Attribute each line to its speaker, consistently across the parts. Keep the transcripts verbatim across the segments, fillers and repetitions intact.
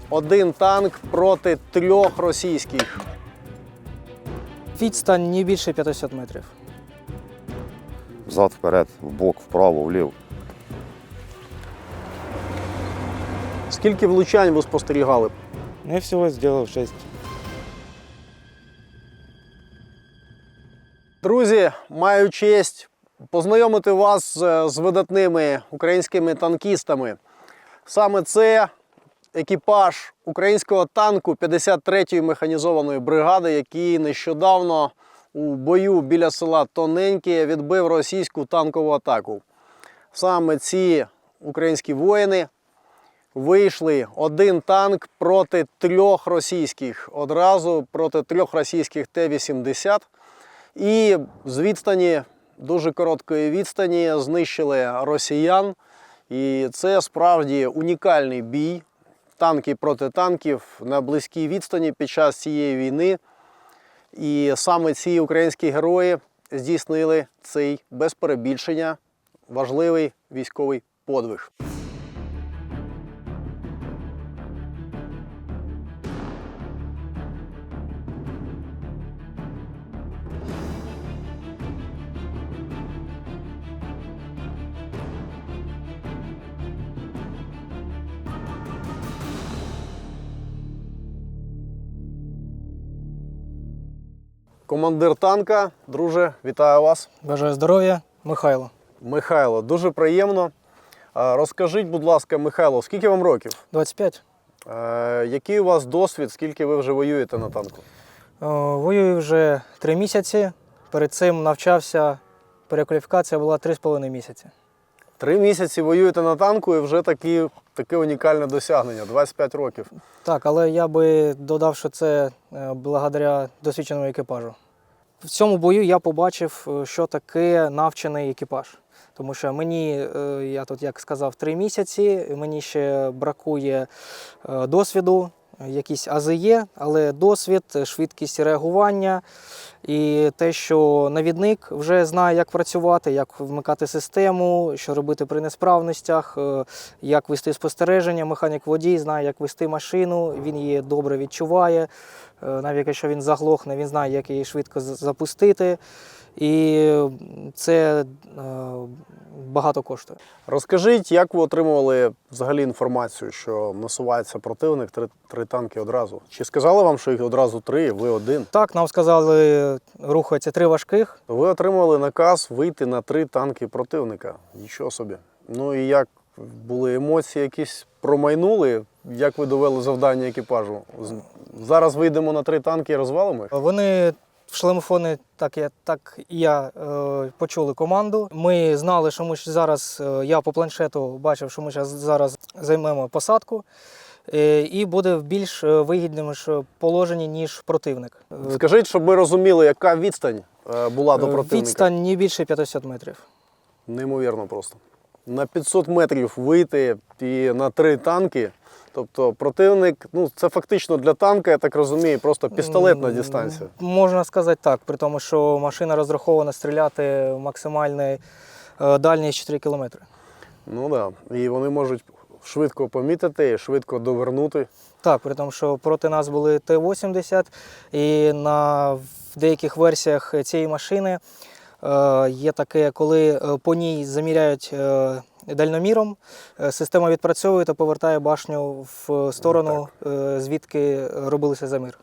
Speaker 1: один танк проти трьох російських.
Speaker 2: Відстань не більше п'ятсот метрів.
Speaker 3: Взад, вперед, вбок, вправо, вліво.
Speaker 1: Скільки влучань ви спостерігали?
Speaker 4: Ну, я всего сделал шесть.
Speaker 1: Друзі, маю честь познайомити вас з з видатними українськими танкістами. Саме це екіпаж українського танку п'ятдесят третьої механізованої бригади, який нещодавно у бою біля села Тоненьке відбив російську танкову атаку. Саме ці українські воїни вийшли один танк проти трьох російських, одразу проти трьох російських Т вісімдесят. І з відстані, дуже короткої відстані, знищили росіян. І це справді унікальний бій. Танки проти танків на близькій відстані під час цієї війни. І саме ці українські герої здійснили цей, без перебільшення, важливий військовий подвиг. Командир танка, друже, вітаю вас.
Speaker 2: Бажаю здоров'я, Михайло.
Speaker 1: Михайло, дуже приємно. А, Розкажіть, будь ласка, Михайло, скільки вам років?
Speaker 2: двадцять п'ять.
Speaker 1: Е, Який у вас досвід, скільки ви вже воюєте на танку?
Speaker 2: О, Воюю вже три місяці. Перед цим навчався, перекваліфікація була три з половиною місяці.
Speaker 1: Три місяці воюєте на танку і вже такі, таке унікальне досягнення, двадцять п'ять років.
Speaker 2: Так, але я би додав, що це е, благодаря досвідченому екіпажу. В цьому бою я побачив, е, що таке навчений екіпаж. Тому що мені, е, я тут, як сказав, три місяці, мені ще бракує е, досвіду, якісь ази є, але досвід, швидкість реагування і те, що навідник вже знає, як працювати, як вмикати систему, що робити при несправностях, е, як вести спостереження. Механік-водій знає, як вести машину, він її добре відчуває. Е, Навіть якщо він заглохне, він знає, як її швидко з- запустити. І це е, багато коштує.
Speaker 1: Розкажіть, як ви отримували взагалі інформацію, що насувається противник, три, три танки одразу? Чи сказали вам, що їх одразу три, ви один?
Speaker 2: Так, нам сказали, рухаються три важких.
Speaker 1: Ви отримали наказ вийти на три танки противника. Нічого собі. Ну і як були емоції якісь промайнули? Як ви довели завдання екіпажу? З- Зараз вийдемо на три танки і розвалимо їх?
Speaker 2: Вони в шлемофони, так, я, так і я, е, почули команду. Ми знали, що ми ж зараз, е, я по планшету бачив, що ми щас зараз займемо посадку. е, І буде в більш е, вигідному ж положенні, ніж противник. Е,
Speaker 1: Скажіть, щоб ми розуміли, яка відстань е, була до противника?
Speaker 2: Відстань не більше п'ятсот метрів.
Speaker 1: Неймовірно просто. На п'ятсот метрів вийти і на три танки. Тобто противник, ну це фактично для танка, я так розумію, просто пістолетна дистанція.
Speaker 2: Можна сказати так, при тому, що машина розрахована стріляти максимальної е, дальність чотири кілометри.
Speaker 1: Ну так. Да. І вони можуть швидко помітити, швидко довернути.
Speaker 2: Так, при тому, що проти нас були Т вісімдесят, і на в деяких версіях цієї машини е, є таке, коли е, по ній заміряють е, дальноміром, е, система відпрацьовує та повертає башню в сторону, е, звідки робилися замір.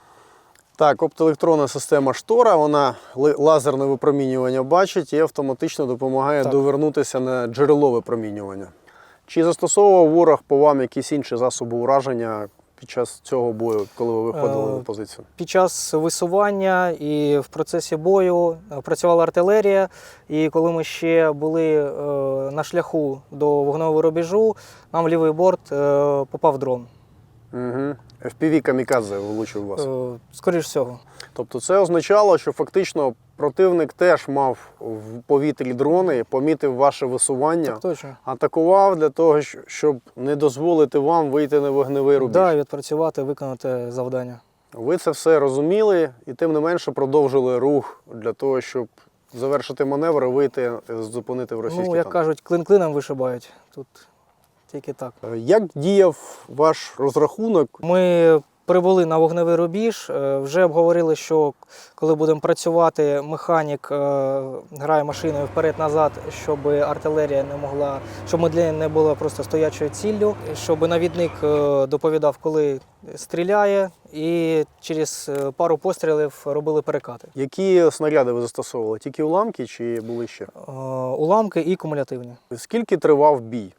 Speaker 1: Так, оптоелектронна система штора, вона ли- лазерне випромінювання бачить і автоматично допомагає
Speaker 2: Так.
Speaker 1: довернутися на джерело випромінювання. Чи застосовував ворог по вам якісь інші засоби ураження під час цього бою, коли ви виходили
Speaker 2: Е,
Speaker 1: на позицію?
Speaker 2: Під час висування і в процесі бою е, працювала артилерія, і коли ми ще були е, на шляху до вогневого рубежу, нам в лівий борт е, попав дрон.
Speaker 1: Угу. еф пі ві камікадзе влучив вас.
Speaker 2: Е, Скоріш всього.
Speaker 1: Тобто це означало, що фактично противник теж мав в повітрі дрони, помітив ваше висування,
Speaker 2: Так точно.
Speaker 1: атакував для того, щ- щоб не дозволити вам вийти на вогневий рубіж.
Speaker 2: Да, відпрацювати, виконати завдання.
Speaker 1: Ви це все розуміли і тим не менше продовжили рух для того, щоб завершити маневр і вийти, зупинити в російський
Speaker 2: Ну, як
Speaker 1: танк.
Speaker 2: кажуть, клин клином вишибають. Тут тільки так.
Speaker 1: Е, Як діяв ваш розрахунок?
Speaker 2: Ми прибули на вогневий рубіж, е, вже обговорили, що коли будемо працювати, механік е, грає машиною вперед-назад, щоб артилерія не могла, щоб медля не була просто стоячою ціллю, щоб навідник е, доповідав, коли стріляє, і через е, пару пострілів робили перекати.
Speaker 1: Які снаряди ви застосовували? Тільки уламки чи були ще?
Speaker 2: Е, Уламки і кумулятивні.
Speaker 1: Скільки тривав бій?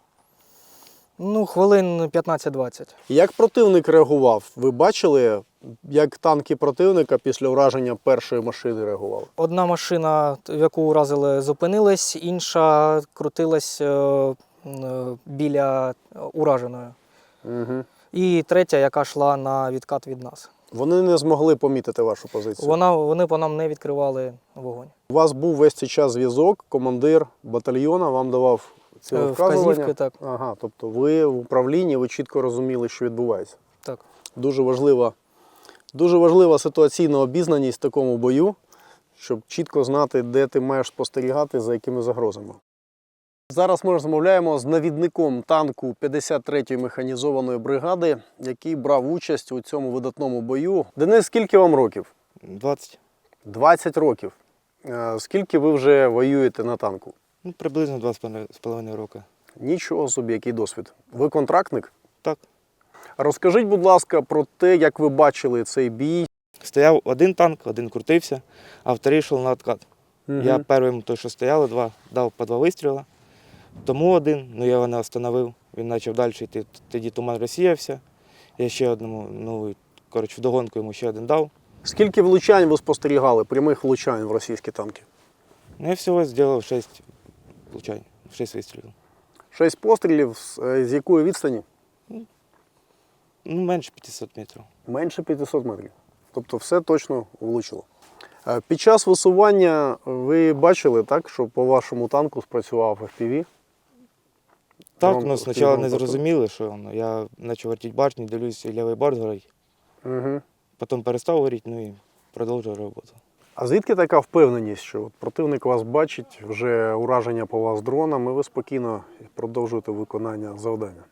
Speaker 2: Ну, хвилин п'ятнадцять-двадцять.
Speaker 1: Як противник реагував? Ви бачили, як танки противника після ураження першої машини реагували?
Speaker 2: Одна машина, в яку уразили, зупинилась, інша крутилась е, е, біля ураженої.
Speaker 1: Угу.
Speaker 2: І третя, яка йшла на відкат від нас.
Speaker 1: Вони не змогли помітити вашу позицію?
Speaker 2: Вона, вони по нам не відкривали вогонь.
Speaker 1: У вас був весь цей час зв'язок, командир батальйону вам давав ці
Speaker 2: Е,
Speaker 1: вказування?
Speaker 2: Вказівки, так.
Speaker 1: Ага, тобто ви в управлінні, ви чітко розуміли, що відбувається.
Speaker 2: так.
Speaker 1: Дуже важлива, дуже важлива ситуаційна обізнаність в такому бою, щоб чітко знати, де ти маєш спостерігати, за якими загрозами. Зараз ми розмовляємо з навідником танку п'ятдесят третьої механізованої бригади, який брав участь у цьому видатному бою. Денис, скільки вам років?
Speaker 4: двадцять.
Speaker 1: двадцять років. Е, Скільки ви вже воюєте на танку?
Speaker 4: Ну, приблизно два з половиною роки.
Speaker 1: Нічого собі, який досвід. Ви контрактник?
Speaker 4: Так.
Speaker 1: Розкажіть, будь ласка, про те, як ви бачили цей бій.
Speaker 4: Стояв один танк, один крутився, а вторий йшов на откат.
Speaker 1: Мгм.
Speaker 4: Я першим, той, що стояли, два, дав по два вистріли. Тому один, ну я його не остановив. Він почав далі йти. Тоді туман розсіявся. Я ще одному, ну, коротше, вдогонку йому ще один дав.
Speaker 1: Скільки влучань ви спостерігали, прямих влучань в російські танки?
Speaker 4: Ну, я всього зробив шість влучань, шість вистрілів.
Speaker 1: Шість пострілів, з, е, з якої відстані?
Speaker 4: Ну, менше п'ятсот метрів.
Speaker 1: Менше п'ятсот метрів. Тобто все точно влучило. Е, Під час висування ви бачили, так, що по вашому танку спрацював еф пі ві?
Speaker 4: Так,
Speaker 1: Дрон-
Speaker 4: ну спочатку
Speaker 1: дрон
Speaker 4: не
Speaker 1: просто.
Speaker 4: зрозуміли, що воно. Я почав вертіти башню, дивлюсь, і лівий борт горить.
Speaker 1: Угу.
Speaker 4: Потім перестав горіти, ну і продовжив роботу.
Speaker 1: А звідки така впевненість, що от противник вас бачить, вже ураження по вас дроном, і ви спокійно продовжуєте виконання завдання?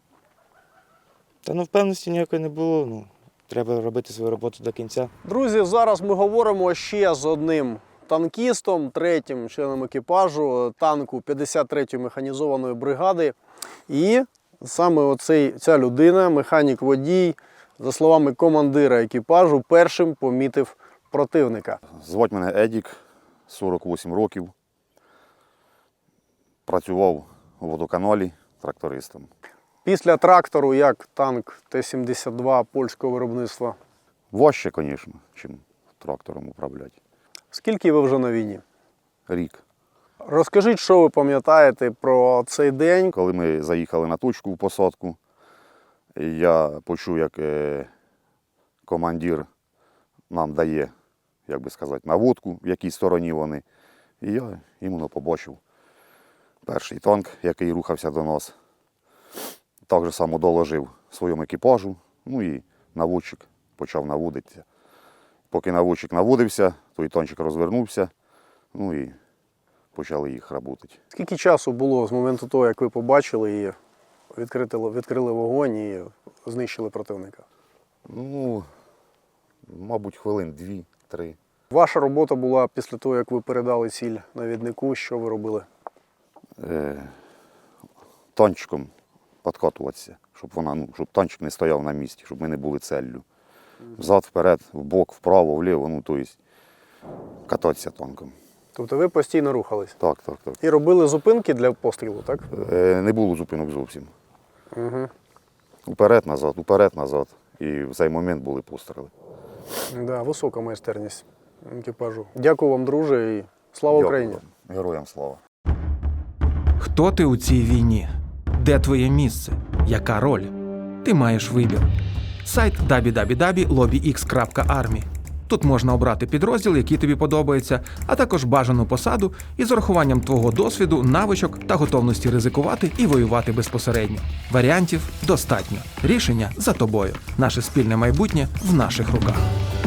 Speaker 4: Та ну впевненості ніякої не було. Ну, треба робити свою роботу до кінця.
Speaker 1: Друзі, зараз ми говоримо ще з одним танкістом, третім членом екіпажу танку п'ятдесят третьої механізованої бригади. І саме оцей, ця людина, механік-водій, за словами командира екіпажу, першим помітив противника.
Speaker 3: Звати мене Едік, сорок вісім років. Працював у водоканалі трактористом.
Speaker 1: Після трактору, як танк Т сімдесят два польського виробництва.
Speaker 3: Важче, звісно, чим трактором управляти.
Speaker 1: Скільки ви вже на війні?
Speaker 3: Рік.
Speaker 1: Розкажіть, що ви пам'ятаєте про цей день?
Speaker 3: Коли ми заїхали на точку в посадку, я почув, як е, командир нам дає, як би сказати, наводку, в якій стороні вони. І я іменно побачив перший танк, який рухався до нас. Так же само доложив своєму екіпажу, ну і наводчик почав наводитися. Поки наводчик наводився, той танчик розвернувся, ну і почали їх работати.
Speaker 1: Скільки часу було з моменту того, як ви побачили і відкрили, відкрили вогонь і знищили противника?
Speaker 3: Ну, мабуть, хвилин дві-три.
Speaker 1: Ваша робота була після того, як ви передали ціль навіднику, що ви робили?
Speaker 3: Е, танчиком підкатуватися, щоб, вона, ну, щоб танчик не стояв на місці, щоб ми не були целлю. Взад, вперед, вбок, вправо, вліво, ну, тобто кататися танком.
Speaker 1: Тобто ви постійно рухались?
Speaker 3: Так, так, так.
Speaker 1: І робили зупинки для пострілу, так?
Speaker 3: Е, не було зупинок зовсім.
Speaker 1: Угу.
Speaker 3: Уперед, назад, уперед, назад. І в цей момент були постріли.
Speaker 1: Да, висока майстерність екіпажу. Дякую вам, друже, і слава
Speaker 3: Дякую
Speaker 1: Україні!
Speaker 3: вам. Героям слава!
Speaker 5: Хто ти у цій війні? Де твоє місце? Яка роль? Ти маєш вибір. Сайт дабл ю дабл ю дабл ю крапка лобі ікс крапка армі. Тут можна обрати підрозділ, який тобі подобається, а також бажану посаду із урахуванням твого досвіду, навичок та готовності ризикувати і воювати безпосередньо. Варіантів достатньо. Рішення за тобою. Наше спільне майбутнє в наших руках.